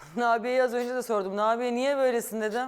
Nabiye'yi az önce de sordum. Nabiye niye böylesin dedim.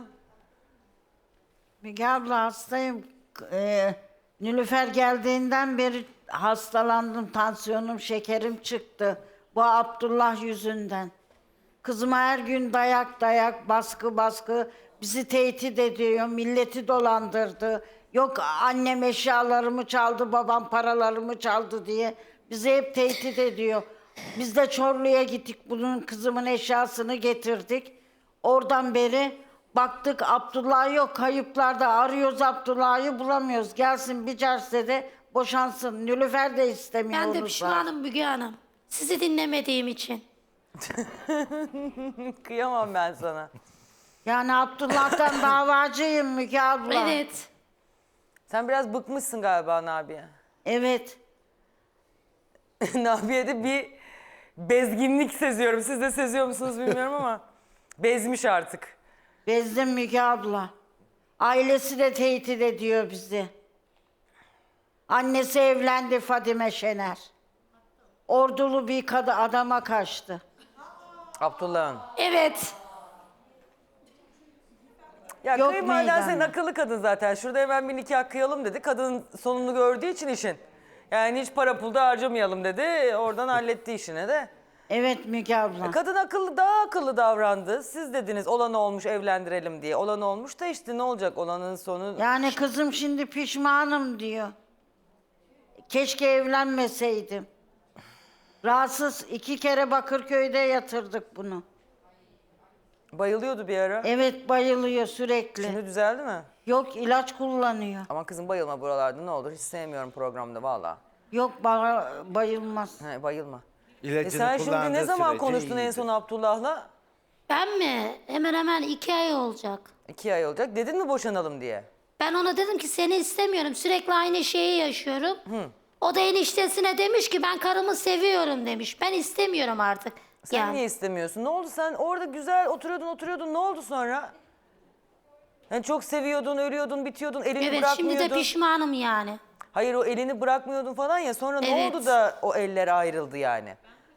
Müge abla hastayım. Nilüfer geldiğinden beri hastalandım. Tansiyonum, şekerim çıktı. Bu Abdullah yüzünden. Kızıma her gün dayak, baskı baskı. Bizi tehdit ediyor, milleti dolandırdı. Yok annem eşyalarımı çaldı, babam paralarımı çaldı diye. Bizi hep tehdit ediyor. Biz de Çorlu'ya gittik, bunun kızımın eşyasını getirdik. Oradan beri baktık Abdullah yok, kayıplarda arıyoruz Abdullah'ı bulamıyoruz. Gelsin bir cersede boşansın. Nilüfer de istemiyor Ben onu de da. pişmanım Müge Hanım. Sizi dinlemediğim için. Kıyamam ben sana. Yani Abdullah'tan davacıyım Müge abla. Evet. Sen biraz bıkmışsın galiba Nabiye. Evet. Nabiye'de bir bezginlik seziyorum. Siz de seziyor musunuz bilmiyorum ama bezmiş artık. Bezdim Müge abla. Ailesi de tehdit ediyor bizi. Annesi evlendi Fadime Şener. Ordulu bir adama kaçtı. Abdullah'ın. Evet. Ya Yok kayınvaliden meydanda. senin akıllı kadın zaten. Şurada hemen bir nikah kıyalım dedi. Kadın sonunu gördüğü için işin. Yani hiç para pul da harcamayalım dedi. Oradan halletti işini de. Evet Müge abla. Kadın akıllı, daha akıllı davrandı. Siz dediniz olan olmuş evlendirelim diye. Olan olmuş da işte ne olacak olanın sonu. Yani kızım şimdi pişmanım diyor. Keşke evlenmeseydim. Rahatsız 2 kere Bakırköy'de yatırdık bunu. Bayılıyordu bir ara. Evet bayılıyor sürekli. Şimdi düzeldi mi? Yok ilaç kullanıyor. Ama kızım bayılma buralarda ne olur. Hiç sevmiyorum programda valla. Yok bayılmaz. He, bayılma. İlacını Sen şimdi ne kullandığı zaman sürece konuştun en iyidir. son Abdullah'la? Ben mi? Hemen hemen 2 ay olacak. 2 ay olacak. Dedin mi boşanalım diye? Ben ona dedim ki seni istemiyorum. Sürekli aynı şeyi yaşıyorum. O da eniştesine demiş ki ben karımı seviyorum demiş. Ben istemiyorum artık. Sen yani. niye istemiyorsun? Ne oldu sen orada güzel oturuyordun ne oldu sonra? Yani çok seviyordun, ölüyordun, bitiyordun, elini Evet bırakmıyordun. şimdi de pişmanım yani. Hayır o elini bırakmıyordun falan ya sonra ne Evet. oldu da o eller ayrıldı yani?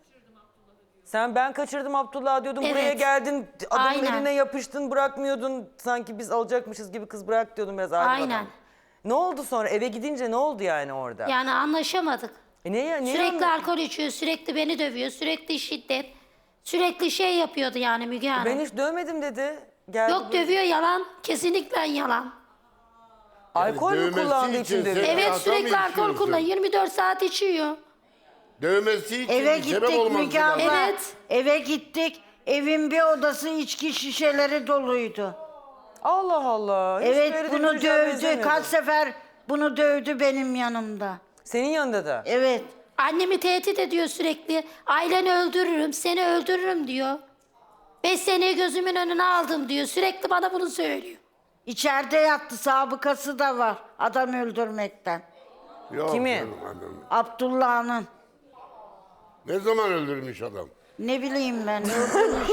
Ben kaçırdım Abdullah diyordun Evet. buraya geldin adamın Aynen. eline yapıştın bırakmıyordun sanki biz alacakmışız gibi kız bırak diyordun biraz ayrılmadan. Aynen. Ne oldu sonra eve gidince ne oldu yani orada? Yani anlaşamadık. Niye Sürekli alkol içiyor, sürekli beni dövüyor, sürekli şiddet. Sürekli şey yapıyordu yani Müge Hanım. Ben hiç dövmedim dedi. Geldi Yok dövüyor yalan, kesinlikle yalan. Alkol mü dövmesi kullandığı için için dövüyor? sen- Evet Adam sürekli alkol içiyorsun. kullanıyor, 24 saat içiyor. Dövmesi için Eve bir sebep gittik olmaz. Müge abla. Evet. Eve gittik. Evin bir odası içki şişeleri doluydu. Allah Allah. Hiç böyle Evet de bunu bir çocuğa dövdü. benzemiyordun. Kaç sefer bunu dövdü benim yanımda. Senin yanında da. Evet. Annemi tehdit ediyor sürekli. Aileni öldürürüm, seni öldürürüm diyor. 5 seneyi gözümün önüne aldım diyor. Sürekli bana bunu söylüyor. İçeride yattı. Sabıkası da var adam öldürmekten. Yok Kimi? canım, adam. Abdullah'ın. Ne zaman öldürmüş adam? Ne bileyim ben. Öldürmüş.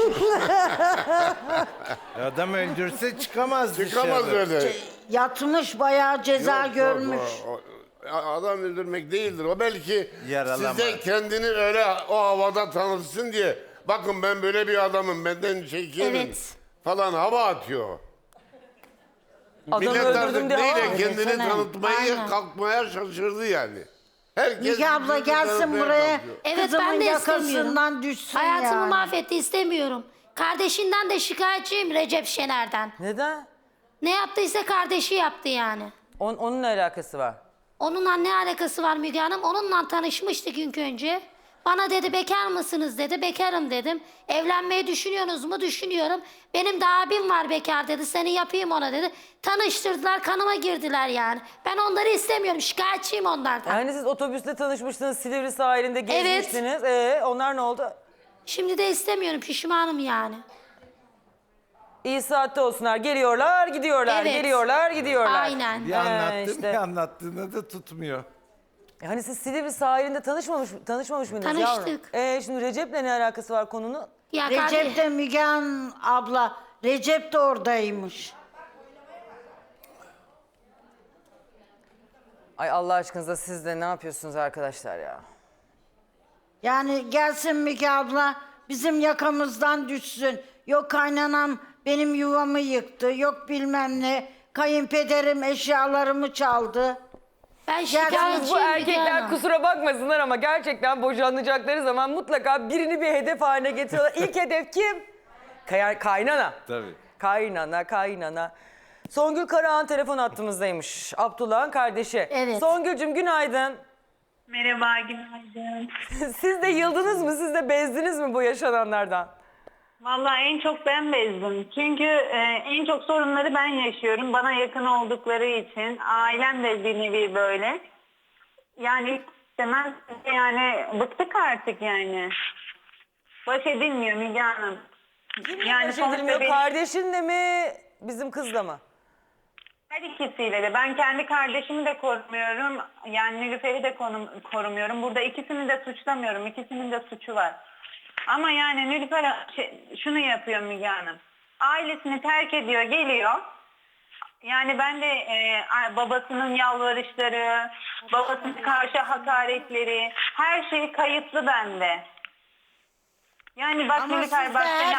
Adam öldürse çıkamaz Çıkamaz dışarı. öyle. Yatmış bayağı ceza Yok, görmüş. Adam öldürmek değildir. O belki Yaralama. size kendini öyle o havada tanıtsın diye. Bakın ben böyle bir adamım, benden çekinim Evet. falan hava atıyor. Adamı Millet öldürdüm artık diye neyle hava- kendini Desene. tanıtmayı Aynen. kalkmaya şaşırdı yani. Herkes Müge abla birbirini gelsin tanıtmaya buraya. kalkıyor. Evet Kızımın ben de yakasından istemiyorum. düşsün Hayatımı yani. mahvetti istemiyorum. Kardeşinden de şikayetçiyim Recep Şener'den. Neden? Ne yaptıysa kardeşi yaptı yani. Onun ne alakası var? Onunla ne alakası var Müge Hanım? Onunla tanışmıştık ilk önce. Bana dedi bekar mısınız dedi. Bekarım dedim. Evlenmeyi düşünüyorsunuz mu? Düşünüyorum. Benim de abim var bekar dedi. Seni yapayım ona dedi. Tanıştırdılar kanıma girdiler yani. Ben onları istemiyorum. Şikayetçiyim onlardan. Yani siz otobüste tanışmıştınız Silivri sahilinde gezmiştiniz. Onlar ne oldu? Şimdi de istemiyorum. Pişmanım yani. İyi saatte olsunlar. Geliyorlar, gidiyorlar. Evet. Geliyorlar, gidiyorlar. Aynen. Bir anlattım işte. bir anlattığında da tutmuyor. Hani siz Silivri sahilinde tanışmamış mıydınız Tanıştık. yavrum? Şimdi Recep'le ne alakası var konunun? Ya Recep de Müge Hanım abla. Recep de oradaymış. Ay Allah aşkınıza siz de ne yapıyorsunuz arkadaşlar ya? Yani gelsin Müge abla. bizim yakamızdan düşsün. Yok kaynanam benim yuvamı yıktı. Yok bilmem ne. Kayınpederim eşyalarımı çaldı. Ben Yalnız şikayetçiyim bu Müge erkekler Hanım. kusura bakmasınlar ama gerçekten boşanacakları zaman mutlaka birini bir hedef haline getiriyorlar. İlk hedef kim? Kaynana. Tabii. Kaynana. Songül Karahan telefon hattımızdaymış. Abdullah'ın kardeşi. Evet. Songül'cüm günaydın. Merhaba, günaydın. Siz de yıldınız mı? Siz de bezdiniz mi bu yaşananlardan? Vallahi en çok ben bezdim. Çünkü en çok sorunları ben yaşıyorum. Bana yakın oldukları için. Ailem de bir nevi böyle. Yani istemez yani bıktık artık yani. Baş edilmiyor Müge Hanım. Yani sonuçta benim- kardeşinle mi bizim kızla mı? Her ikisiyle de. Ben kendi kardeşimi de korumuyorum. Yani Nilüfer'i de korumuyorum. Burada ikisini de suçlamıyorum. İkisinin de suçu var. Ama yani Nilüfer şunu yapıyor Müge Hanım. Ailesini terk ediyor, geliyor. Yani ben de babasının yalvarışları, babasına karşı hakaretleri, her şey kayıtlı bende. Yani bak Ama siz Nilüfer de bak seni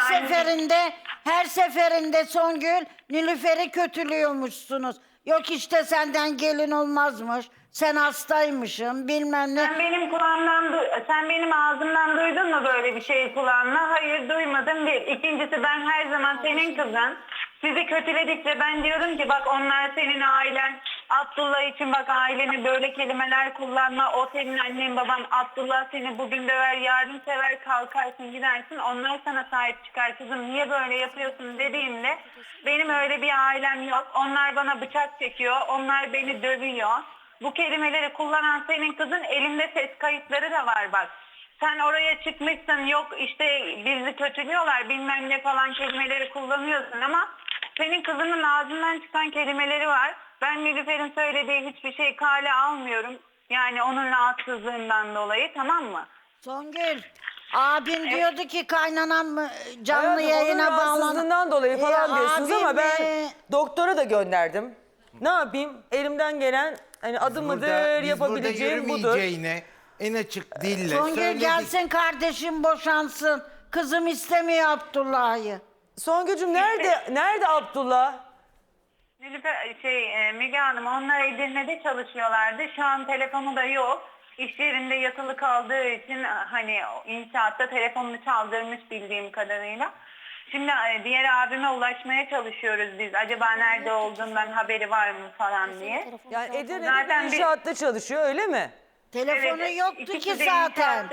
her seferinde Songül Nilüfer'i kötülüyormuşsunuz. Yok işte senden gelin olmazmış. Sen hastaymışsın bilmem ne. Sen benim ağzımdan duydun mu böyle bir şey kulağınla? Hayır duymadım bir. İkincisi ben her zaman senin kızın. Sizi kötüledikçe ben diyorum ki bak onlar senin ailen. Abdullah için bak aileni böyle kelimeler kullanma. O senin annen baban. Abdullah seni bugün döver, yarın sever, kalkarsın gidersin. Onlar sana sahip çıkar kızım. Niye böyle yapıyorsun dediğimde benim öyle bir ailem yok. Onlar bana bıçak çekiyor. Onlar beni dövüyor. Bu kelimeleri kullanan senin kızın elinde ses kayıtları da var bak. Sen oraya çıkmışsın yok işte bizi kötülüyorlar bilmem ne falan kelimeleri kullanıyorsun ama senin kızının ağzından çıkan kelimeleri var. Ben Nilüfer'in söylediği hiçbir şey kale almıyorum. Yani onun rahatsızlığından dolayı tamam mı? Songül abin diyordu ki kaynanam canlı Hayatım, yayına onun bağlan. rahatsızlığından dolayı falan diyorsunuz abim, ama ben doktora da gönderdim. Ne yapayım? Elimden gelen hani adım mıdır yapabileceğim budur. Yürümeyeceğine en açık dille Songül söyledik. gelsin kardeşim boşansın. Kızım istemiyor Abdullah'ı. Songül'cüm nerede Abdullah? Nilüfer, Müge Hanım onlar Edirne'de çalışıyorlardı. Şu an telefonu da yok. İş yerinde yatılı kaldığı için hani inşaatta telefonunu çaldırmış bildiğim kadarıyla. Şimdi diğer abime ulaşmaya çalışıyoruz biz. Acaba nerede olduğundan haberi var mı falan diye. Yani Edirne'de Zaten bir bir- inşaatta çalışıyor öyle mi? Telefonu Evet, yoktu ikisi ki de zaten.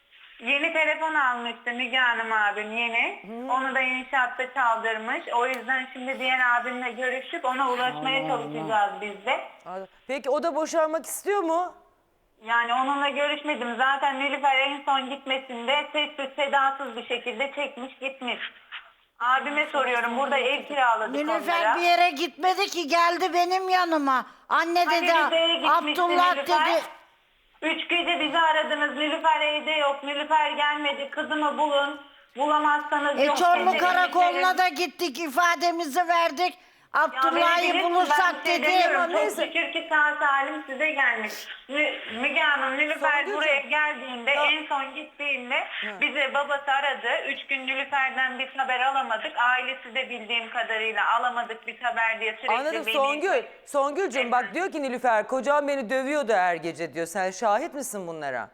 Yeni telefon almıştı Müge Hanım abim yeni. Onu da inşaatta çaldırmış. O yüzden şimdi diğer abimle görüşüp ona ulaşmaya çalışacağız biz de. Peki o da boşanmak istiyor mu? Yani onunla görüşmedim. Zaten Nilüfer en son gitmesinde sessiz sedasız bir şekilde çekmiş gitmiş. Abime soruyorum burada ev kiraladık Nilüfer onlara. bir yere gitmedi ki geldi benim yanıma. Anne Hani dedi Rize'ye gitmişti Abdullah Nilüfer. dedi. 3 gece bizi aradınız. Nilüfer evde yok. Nilüfer gelmedi. Kızımı bulun. Bulamazsanız yok. Çorlu dedi. Karakoluna da gittik ifademizi verdik. Ya Abdullah'ı beni bulursak ben dedi. demiyorum. Çok Neyse. şükür ki sağ salim size gelmiş. Müge Hanım Nilüfer Songülcüğüm. buraya geldiğinde Tamam. en son gittiğinde bize babası aradı. 3 gün Nilüfer'den bir haber alamadık. Ailesi de bildiğim kadarıyla alamadık bir haber diye sürekli Anladım beni... Songül'cüm bak diyor ki Nilüfer kocam beni dövüyordu her gece diyor. Sen şahit misin bunlara?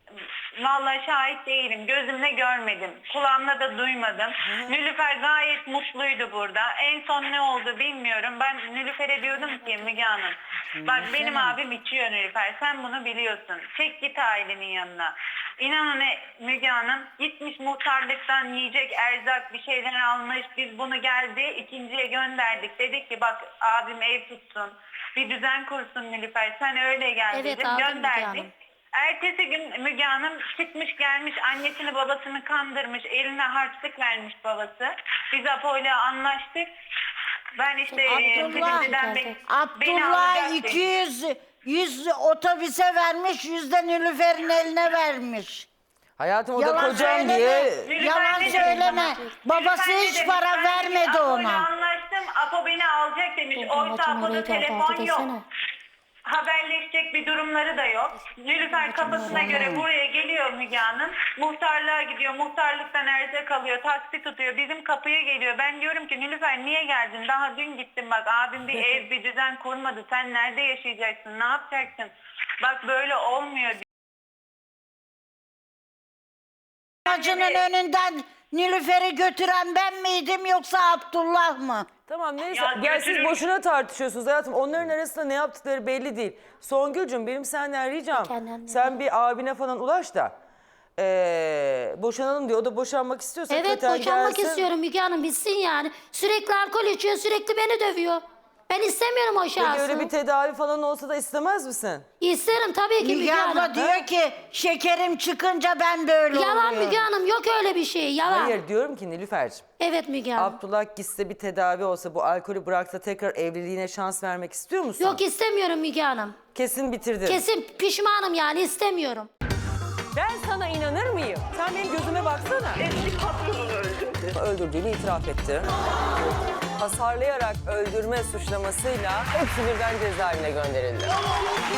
Vallahi şahit değilim. Gözümle görmedim. Kulağımla da duymadım. Nilüfer gayet mutluydu burada. En son ne oldu bilmiyorum. Ben Nilüfer'e diyordum ki Müge Hanım. Bak benim abim içiyor Nilüfer. Sen bunu biliyorsun. Çek git ailenin yanına. İnanın Müge Hanım gitmiş muhtarlıktan yiyecek erzak bir şeyler almış. Biz bunu geldi ikinciye gönderdik. Dedik ki bak abim ev tutsun. Bir düzen kursun Nilüfer. Sen öyle gel Evet, dedim. aldım Müge Gönderdik. Hanım. Ertesi gün Müge Hanım çıkmış gelmiş annesini babasını kandırmış eline harçlık vermiş babası. Biz Apo'yla anlaştık. Ben işte Silivri'den beni Abdullah alacak dedi. 100 otobüse vermiş, 100 de Nilüfer'in eline vermiş. Hayatım o da Yalan kocam söyleme. diye. Nilüfer Yalan ne dedi söyleme. bana? Babası Nilüfer ne hiç demiş? para Ben vermedi Apo'yla ona. anlaştım. Apo beni alacak demiş. Oysa Babacığım Apo'da orayı da telefon altı yok. desene. Haberleşecek bir durumları da yok. Nilüfer kafasına göre buraya geliyor Müge Hanım. Muhtarlığa gidiyor. Muhtarlıktan erzak alıyor. Taksi tutuyor. Bizim kapıya geliyor. Ben diyorum ki Nilüfer niye geldin? Daha dün gittim bak. Abim bir ev bir düzen kurmadı. Sen nerede yaşayacaksın? Ne yapacaksın? Bak böyle olmuyor. Aracının önünden Nilüfer'i götüren ben miydim yoksa Abdullah mı? Tamam neyse. Ya Ya siz götürün. boşuna tartışıyorsunuz hayatım. Onların arasında ne yaptıkları belli değil. Songül'cüm benim senden ricam. Kendine. Sen bir abine falan ulaş da. Boşanalım diyor. O da boşanmak istiyorsa Evet köten boşanmak gelsin. istiyorum Müge Hanım bitsin yani. Sürekli alkol içiyor sürekli beni dövüyor. Ben istemiyorum o Peki şahsı. öyle bir tedavi falan olsa da istemez misin? İsterim tabii ki Müge Müge Hanım. abla diyor ki şekerim çıkınca ben böyle Yalan oluyorum. Müge Hanım yok öyle bir şey yalan. Hayır diyorum ki Nilüfer'cim. Evet Müge Hanım. Abdullah gitse bir tedavi olsa bu alkolü bıraksa tekrar evliliğine şans vermek istiyor musun? Yok istemiyorum Müge Hanım. Kesin bitirdin. Kesin pişmanım yani istemiyorum. Ben sana inanır mıyım? Sen benim gözüme baksana. Eski patronunu öldürdü. Öldürdüğünü itiraf etti. Hasarlayarak öldürme suçlamasıyla hepsi birden cezaevine gönderildi.